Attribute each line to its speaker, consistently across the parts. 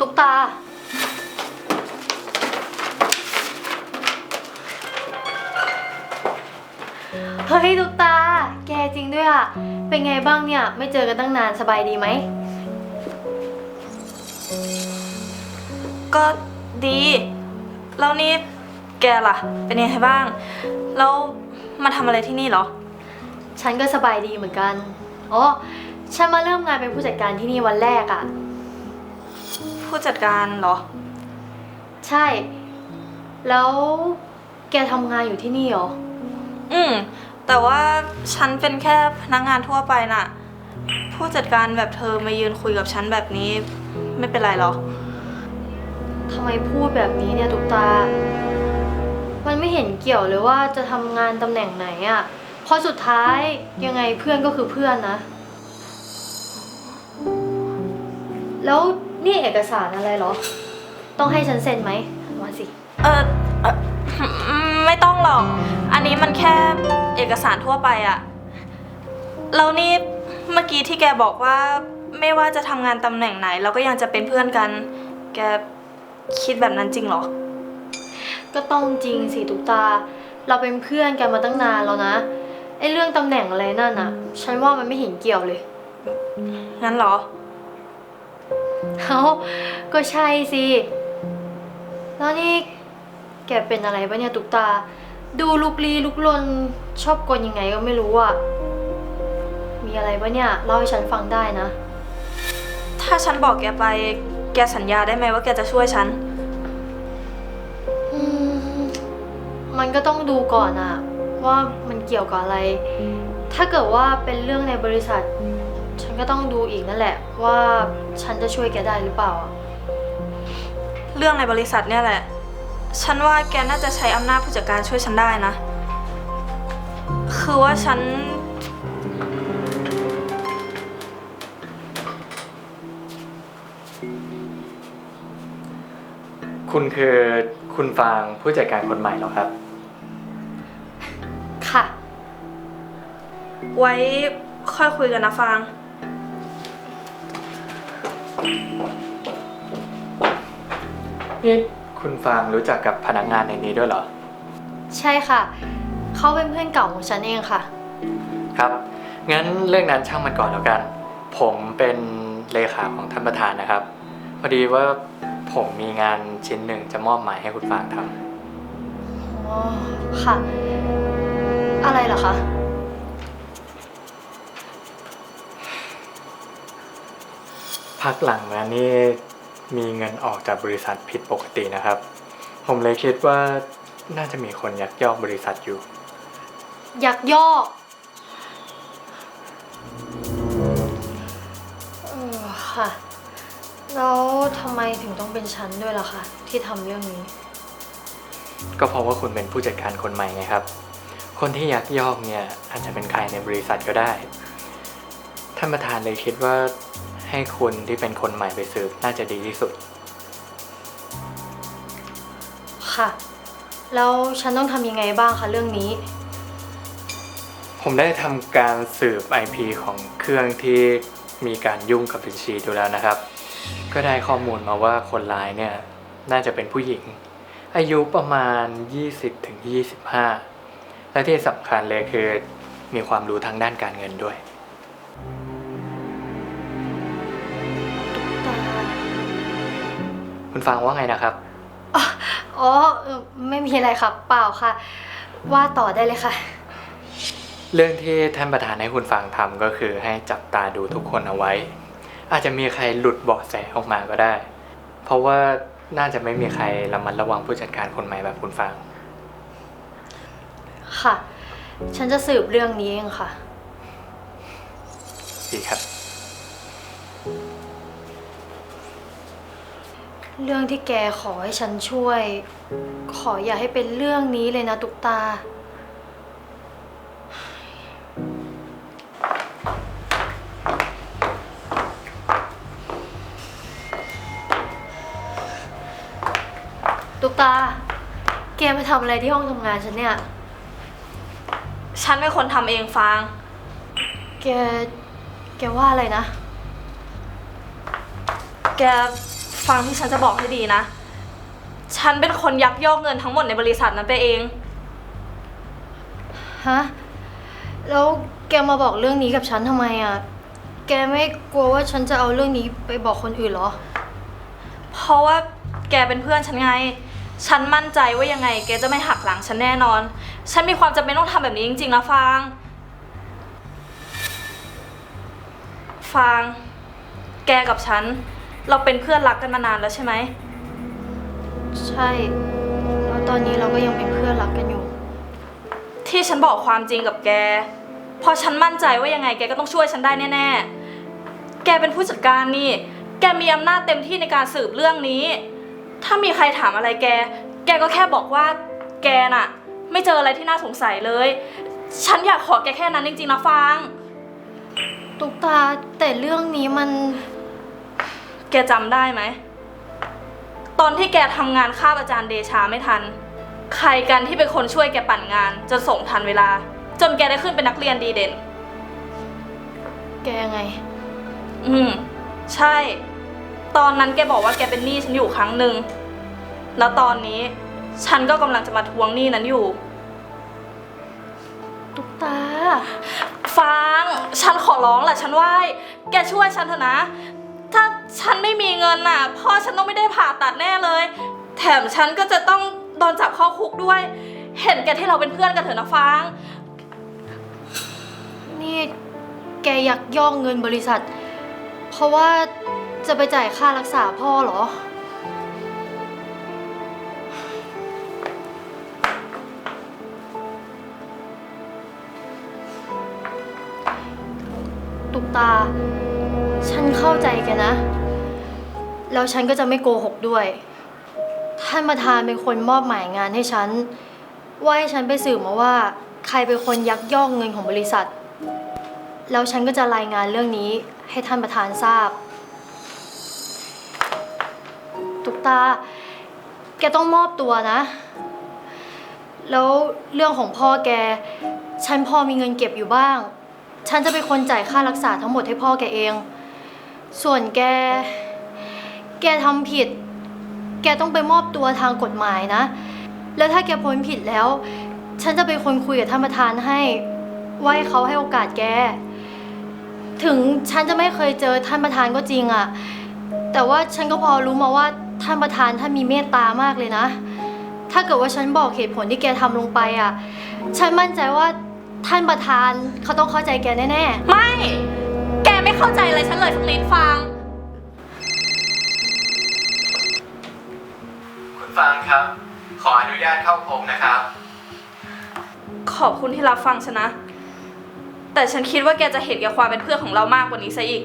Speaker 1: ตุ๊กตาเฮ้ยตุ๊กตาแกจริงด้วยอะเป็นไงบ้างเนี่ยไม่เจอกันตั้งนานสบายดีไหม
Speaker 2: ก็ดีแล้วนี่แกล่ะเป็นยังไงบ้างแล้วมาทำอะไรที่นี่เหรอ
Speaker 1: ฉันก็สบายดีเหมือนกันอ๋อฉันมาเริ่มงานเป็นผู้จัดการที่นี่วันแรกอะ
Speaker 2: ผู้จัดการเหรอ
Speaker 1: ใช่แล้วแกทำงานอยู่ที่นี่เหรอ
Speaker 2: แต่ว่าฉันเป็นแค่พนักงานทั่วไปน่ะผู้จัดการแบบเธอมายืนคุยกับฉันแบบนี้ไม่เป็นไรหรอ
Speaker 1: ทำไมพูดแบบนี้เนี่ยตุ๊กตามันไม่เห็นเกี่ยวเลยว่าจะทำงานตำแหน่งไหนอะเพราะสุดท้ายยังไงเพื่อนก็คือเพื่อนนะแล้วนี่เอกสารอะไรเหรอต้องให้ฉันเซ็นไหมมาสิ
Speaker 2: ไม่ต้องหรอกอันนี้มันแค่เอกสารทั่วไปอะแล้วนี่เมื่อกี้ที่แกบอกว่าไม่ว่าจะทำงานตำแหน่งไหนเราก็ยังจะเป็นเพื่อนกันแกคิดแบบนั้นจริงเหรอ
Speaker 1: ก็ต้องจริงสิตุ๊กตาเราเป็นเพื่อนกันมาตั้งนานแล้วนะไอ้เรื่องตำแหน่งอะไรนั่นอะฉันว่ามันไม่เห็นเกี่ยวเลย
Speaker 2: งั้นเหรอ
Speaker 1: ก็ใช่สิแล้วนี่แกเป็นอะไรปะเนี่ยตุ๊กตาดูลุกลี้ลุกลนชอบกลยังไงก็ไม่รู้อะมีอะไรปะเนี่ยเล่าให้ฉันฟังได้นะ
Speaker 2: ถ้าฉันบอกแกไปแกสัญญาได้ไหมว่าแกจะช่วยฉัน
Speaker 1: มันก็ต้องดูก่อนอะว่ามันเกี่ยวกับอะไรถ้าเกิดว่าเป็นเรื่องในบริษัทฉันก็ต้องดูอีกนั่นแหละว่าฉันจะช่วยแกได้หรือเปล่า
Speaker 2: เรื่องในบริษัทเนี่ยแหละฉันว่าแกน่าจะใช้อำนาจผู้จัดการช่วยฉันได้นะคือว่าฉัน
Speaker 3: คุณคือคุณฟางผู้จัดการคนใหม่เหรอครับ
Speaker 1: ค่ะ
Speaker 2: ไว้ค่อยคุยกันนะฟาง
Speaker 3: นี่คุณฟางรู้จักกับพนักงานในนี้ด้วยเหรอ
Speaker 1: ใช่ค่ะเขาเป็นเพื่อนเก่าของฉันเองค่ะ
Speaker 3: ครับงั้นเรื่องนั้นช่างมันก่อนแล้วกันผมเป็นเลขาของท่านประธานนะครับพอดีว่าผมมีงานชิ้นหนึ่งจะมอบหมายให้คุณฟางท
Speaker 1: ำอ๋อค่ะอะไรเหรอคะ
Speaker 3: พักหลังมานี่มีเงินออกจากบริษัทผิดปกตินะครับผมเลยคิดว่าน่าจะมีคนยักยอกบริษัทอยู่
Speaker 1: ยักยอกค่ะแล้วทำไมถึงต้องเป็นฉันด้วยล่ะคะที่ทำเรื่องนี้
Speaker 3: ก็เพราะว่าคุณเป็นผู้จัดการคนใหม่ไงครับคนที่ยักยอกเนี่ยอาจจะเป็นใครในบริษัทก็ได้ท่านประธานเลยคิดว่าให้คุณที่เป็นคนใหม่ไปสืบน่าจะดีที่สุด
Speaker 1: ค่ะแล้วฉันต้องทำยังไงบ้างคะเรื่องนี้
Speaker 3: ผมได้ทำการสืบ IP ของเครื่องที่มีการยุ่งกับบัญชีดูแล้วนะครับก็ได้ข้อมูลมาว่าคนร้ายเนี่ยน่าจะเป็นผู้หญิงอายุประมาณ 20-25 และที่สำคัญเลยคือมีความรู้ทางด้านการเงินด้วยคุณฟังว่าไงนะครับ
Speaker 1: อ๋อไม่มีอะไรครับเปล่าค่ะว่าต่อได้เลยค่ะ
Speaker 3: เรื่องที่ท่านประธานให้คุณฟังทำก็คือให้จับตาดูทุกคนเอาไว้อาจจะมีใครหลุดเบาะแสออกมาก็ได้เพราะว่าน่าจะไม่มีใครระมัดระวังผู้จัดการคนใหม่แบบคุณฟัง
Speaker 1: ค่ะฉันจะสืบเรื่องนี้เองค่ะ
Speaker 3: ดีครับ
Speaker 1: เรื่องที่แกขอให้ฉันช่วยขออย่าให้เป็นเรื่องนี้เลยนะตุ๊กตาตุ๊กตาแกมาทำอะไรที่ห้องทำงานฉันเนี่ย
Speaker 2: ฉันเป็นคนทำเองฟาง
Speaker 1: แกว่าอะไรนะ
Speaker 2: แกฟังที่ฉันจะบอกให้ดีนะ ฉันเป็นคนยักยอกเงินทั้งหมดในบริษัทนั้นไปเอง
Speaker 1: ฮะ แล้วแกมาบอกเรื่องนี้กับฉันทำไมอ่ะ แกไม่กลัวว่าฉันจะเอาเรื่องนี้ไปบอกคนอื่นเหรอ
Speaker 2: เพราะว่าแกเป็นเพื่อนฉันไง ฉันมั่นใจว่ายังไงแกจะไม่หักหลังฉันแน่นอน ฉันมีความจำเป็นต้องทำแบบนี้จริงๆนะฟาง ฟาง แกกับฉัน เราเป็นเพื่อนรักกันมานานแล้วใช่ไหม
Speaker 1: ใช่ แล้วตอนนี้เราก็ยังเป็นเพื่อนรักกันอยู่
Speaker 2: ที่ฉันบอกความจริงกับแก เพราะฉันมั่นใจว่ายังไงแกก็ต้องช่วยฉันได้แน่ๆ แกเป็นผู้จัดการนี่ แกมีอำนาจเต็มที่ในการสืบเรื่องนี้ ถ้ามีใครถามอะไรแก แกก็แค่บอกว่าแกน่ะ ไม่เจออะไรที่น่าสงสัยเลย ฉันอยากขอแกแค่นั้นจริงๆนะฟาง
Speaker 1: ตุกตาแต่เรื่องนี้มัน
Speaker 2: แกจำได้ไหม ตอนที่แกทำงานคาบอาจารย์เดชาไม่ทัน ใครกันที่เป็นคนช่วยแกปั่นงานจนส่งทันเวลา จนแกได้ขึ้นเป็นนักเรียนดีเด่น
Speaker 1: แกไง
Speaker 2: ใช่ ตอนนั้นแกบอกว่าแกเป็นหนี้ฉันอยู่ครั้งหนึ่ง แล้วตอนนี้ฉันก็กำลังจะมาทวงหนี้นั้นอยู่
Speaker 1: ตุกตา
Speaker 2: ฟาง ฉันขอร้องแหละฉันไหว้ แกช่วยฉันเถอะนะ ถ้าฉันไม่มีเงินน่ะพ่อฉันต้องไม่ได้ผ่าตัดแน่เลย แถมฉันก็จะต้องโดนจับเข้าคุกด้วย เห็นแกที่เราเป็นเพื่อนกันเถอะนะฟาง
Speaker 1: นี่แกยักยอกเงินบริษัท เพราะว่าจะไปจ่ายค่ารักษาพ่อเหรอ ตุกตา ฉันเข้าใจแกนะ แล้วฉันก็จะไม่โกหกด้วย ท่านประธานเป็นคนมอบหมายงานให้ฉัน ว่าให้ฉันไปสืบมาว่า ใครเป็นคนยักยอกเงินของบริษัท แล้วฉันก็จะรายงานเรื่องนี้ให้ท่านประธานทราบ ตุกตา แกต้องมอบตัวนะ แล้วเรื่องของพ่อแก ฉันพอมีเงินเก็บอยู่บ้าง ฉันจะเป็นคนจ่ายค่ารักษาทั้งหมดให้พ่อแกเอง ส่วนแกทำผิด แกต้องไปมอบตัวทางกฎหมายนะ แล้วถ้าแกพ้นผิดแล้ว ฉันจะเป็นคนคุยกับท่านประธานให้ว่าให้เขาให้โอกาสแก ถึงฉันจะไม่เคยเจอท่านประธานก็จริงอะแต่ว่าฉันก็พอรู้มาว่าท่านประธานท่านมีเมตตามากเลยนะ ถ้าเกิดว่าฉันบอกเหตุผลที่แกทำลงไปอะฉันมั่นใจว่าท่านประธานเขาต้องเข้าใจแกแน่ๆ
Speaker 2: ไม่ แกไม่เข้าใจอะไรฉันเลยสักนิดฟาง
Speaker 3: คุณฟางครับ ขออนุญาตเข้าพบนะครับ
Speaker 2: ขอบคุณที่รับฟังฉันนะ แต่ฉันคิดว่าแกจะเห็นแก่ความเป็นเพื่อนของเรามากกว่านี้ซะอีก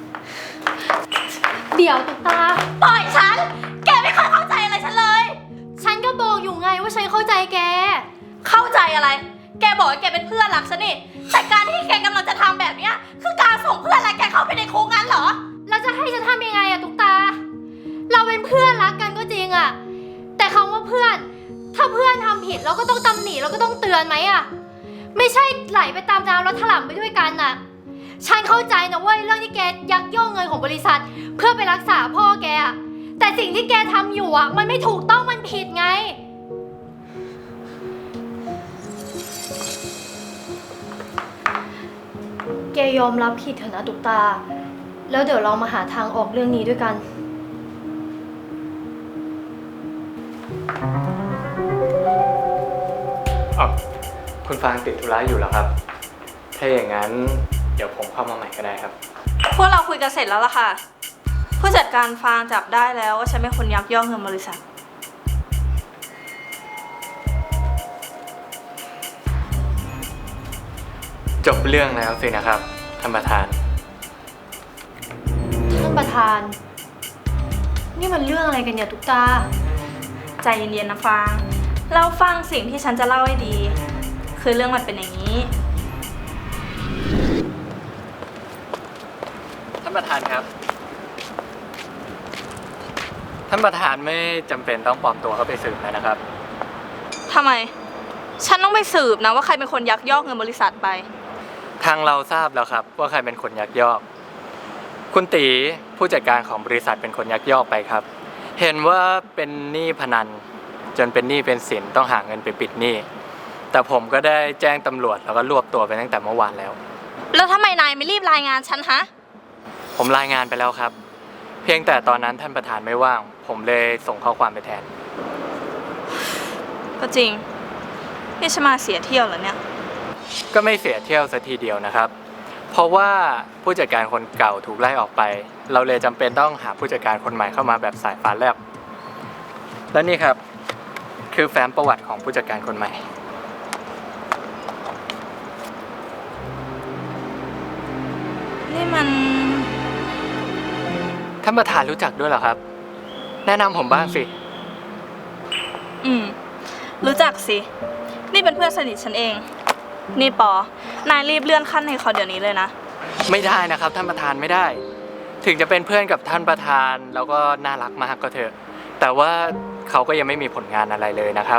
Speaker 1: เดี๋ยวตุกตา
Speaker 2: ปล่อยฉัน แกไม่เคยเข้าใจอะไรฉันเลย
Speaker 1: ฉันก็บอกอยู่ไงว่าฉันเข้าใจแก
Speaker 2: เข้าใจอะไร แกบอกว่าแกเป็นเพื่อนรักฉันนี่ แต่การที่แกกำลังจะทำแบบเนี้ยคือการส่งเพื่อนรักแกเข้าไปในคุกงั้นเหรอ
Speaker 1: แล้วจะให้ฉันทำยังไงอะตุกตา เราเป็นเพื่อนรักกันก็จริงอะแต่คำว่าเพื่อน ถ้าเพื่อนทำผิดเราก็ต้องตำหนิเราก็ต้องเตือนไหมอะไม่ใช่ไหลไปตามน้ำแล้วถลำไปด้วยกันอะฉันเข้าใจนะเว้ยเรื่องที่แกยักยอกเงินของบริษัท เพื่อไปรักษาพ่อแกอะแต่สิ่งที่แกทำอยู่อะมันไม่ถูกต้องมันผิดไง แกยอมรับผิดเถอะนะตุกตา แล้วเดี๋ยวเรามาหาทางออกเรื่องนี้ด้วยกัน
Speaker 3: คุณฟางติดธุระอยู่เหรอครับ ถ้าอย่างนั้นเดี๋ยวผมเข้ามาใหม่ก็ได้ครับ
Speaker 2: พวกเราคุยกันเสร็จแล้วล่ะค่ะ ผู้จัดการฟางจับได้แล้วว่าฉันเป็นคนยักยอกเงินบริษัท
Speaker 3: จบเรื่องแล้วสินะครับท่านประธาน
Speaker 1: ท่านประธาน นี่มันเรื่องอะไรกันเนี่ยตุกตา
Speaker 2: ใจเย็นๆนะฟางเราฟังสิ่งที่ฉันจะเล่าให้ดี คือเรื่องมันเป็นอย่างนี้
Speaker 3: ท่านประธานครับ ท่านประธานไม่จำเป็นต้องปลอมตัวเข้าไปสืบแล้วนะครับ
Speaker 2: ทำไม ฉันต้องไปสืบนะว่าใครเป็นคนยักยอกเงินบริษัทไป
Speaker 3: ทางเราทราบแล้วครับว่าใครเป็นคนยักยอก คคุณตีผู้จัดการของบริษัทเป็นคนยักยอกไปครับ เห็นว่าเป็นหนี้พนันจนเป็นหนี้เป็นสินต้องหาเงินไปปิดหนี้แต่ผมก็ได้แจ้งตำรวจแล้วก็รวบตัวไปตั้งแต่เมื่อวานแล้ว
Speaker 2: แล้วทำไมนายไม่รีบรายงานฉันฮะ
Speaker 3: ผมรายงานไปแล้วครับ เพียงแต่ตอนนั้นท่านประธานไม่ว่าง ผมเลยส่งข้อความไปแทน
Speaker 2: ก็จริงนี่ฉันมาเสียเที่ยวเหรอเนี่ย
Speaker 3: ก็ไม่เสียเที่ยวสัทีเดียวนะครับ เพราะว่าผู้จัดการคนเก่าถูกไล่ออกไป เราเลยจำเป็นต้องหาผู้จัดการคนใหม่เข้ามาแบบสายฟ้าแลบและนี่ครับคือแฟ้มประวัติของผู้จัดการคนใหม่
Speaker 2: นี่มัน
Speaker 3: ท่านประธานรู้จักด้วยเหรอครับ แนะนำผมบ้างสิ
Speaker 2: รู้จักสิ นี่เป็นเพื่อนสนิทฉันเอง นี่ปอนายรีบเลื่อนขั้นให้เขาเดี๋ยวนี้เลยนะ
Speaker 3: ไม่ได้นะครับท่านประธานไม่ได้ ถึงจะเป็นเพื่อนกับท่านประธานแล้วก็น่ารักมากก็เถอะ แต่ว่าเขาก็ยังไม่มีผลงานอะไรเลยนะครับ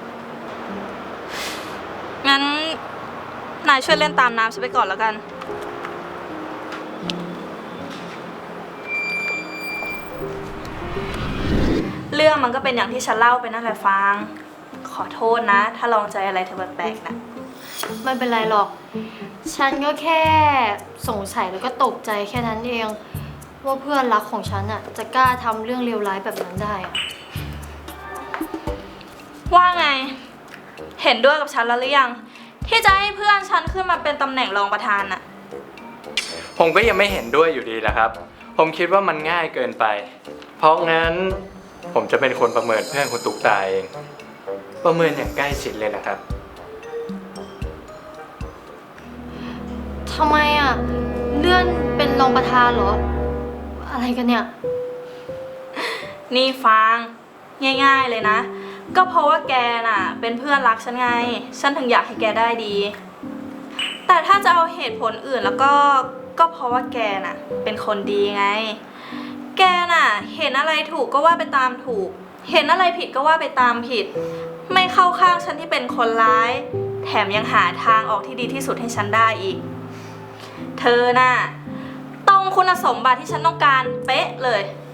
Speaker 2: งั้นนายช่วยเล่นตามน้ำฉันไปก่อนแล้วกัน เรื่องมันก็เป็นอย่างที่ฉันเล่าไปนั่นแหละฟาง ขอโทษนะ ถ้าลองใจอะไรเธอแปลกๆนะ
Speaker 1: ไม่เป็นไรหรอก ฉันก็แค่สงสัยแล้วก็ตกใจแค่นั้นเอง ว่าเพื่อนรักของฉันอะจะกล้าทำเรื่องเลวร้ายแบบนั้นได้อะ
Speaker 2: ว่าไง เห็นด้วยกับฉันแล้วหรือยัง ที่จะให้เพื่อนฉันขึ้นมาเป็นตำแหน่งรองประธานน่ะ
Speaker 3: ผมก็ยังไม่เห็นด้วยอยู่ดีแหละครับ ผมคิดว่ามันง่ายเกินไป เพราะงั้นผมจะเป็นคนประเมินเพื่อนคุณตุ๊กตาเอง ประเมินอย่างใกล้ชิดเลยนะครับ
Speaker 1: ทำไมอะเลื่อนเป็นรองประธานเหรอ อะไรกันเนี่ย
Speaker 2: นี่ฟาง ง่ายๆเลยนะ ก็เพราะว่าแกน่ะ เป็นเพื่อนรักฉันไง ฉันถึงอยากให้แกได้ดี แต่ถ้าจะเอาเหตุผลอื่นแล้วก็เพราะว่าแกน่ะ เป็นคนดีไง แกน่ะ เห็นอะไรถูกก็ว่าไปตามถูก เห็นอะไรผิดก็ว่าไปตามผิด ไม่เข้าข้างฉันที่เป็นคนร้าย แถมยังหาทางออกที่ดีที่สุดให้ฉันได้อีก เธอน่ะตรงคุณสมบัติที่ฉันต้องการเป๊ะเลย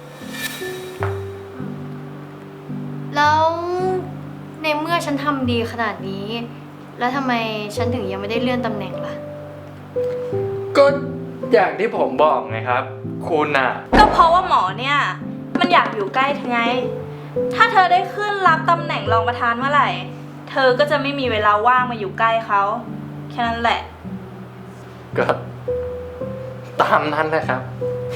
Speaker 1: แล้วในเมื่อฉันทำดีขนาดนี้ แล้วทำไมฉันถึงยังไม่ได้เลื่อนตำแหน่งล่ะ
Speaker 3: ก็อย่างที่ผมบอกไงครับ คุณน่ะ
Speaker 2: ก็เพราะว่าหมอเนี่ย มันอยากอยู่ใกล้เธอไง ถ้าเธอได้ขึ้นรับตำแหน่งรองประธานเมื่อไหร่ เธอก็จะไม่มีเวลาว่างมาอยู่ใกล้เขาแค่นั้นแหละ
Speaker 3: ก็ตามนั้นแหละครับ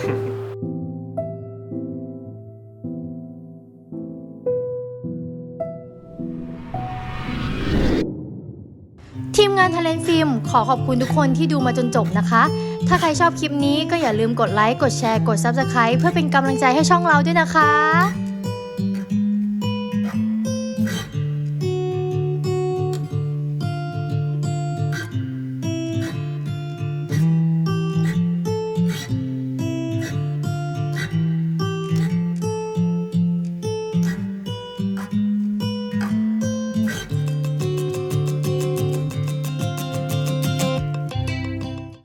Speaker 1: ทีมงาน Talent Film ขอขอบคุณทุกคนที่ดูมาจนจบนะคะ ถ้าใครชอบคลิปนี้ก็อย่าลืมกดไลค์ กดแชร์ กด Subscribe เพื่อเป็นกำลังใจให้ช่องเราด้วยนะคะ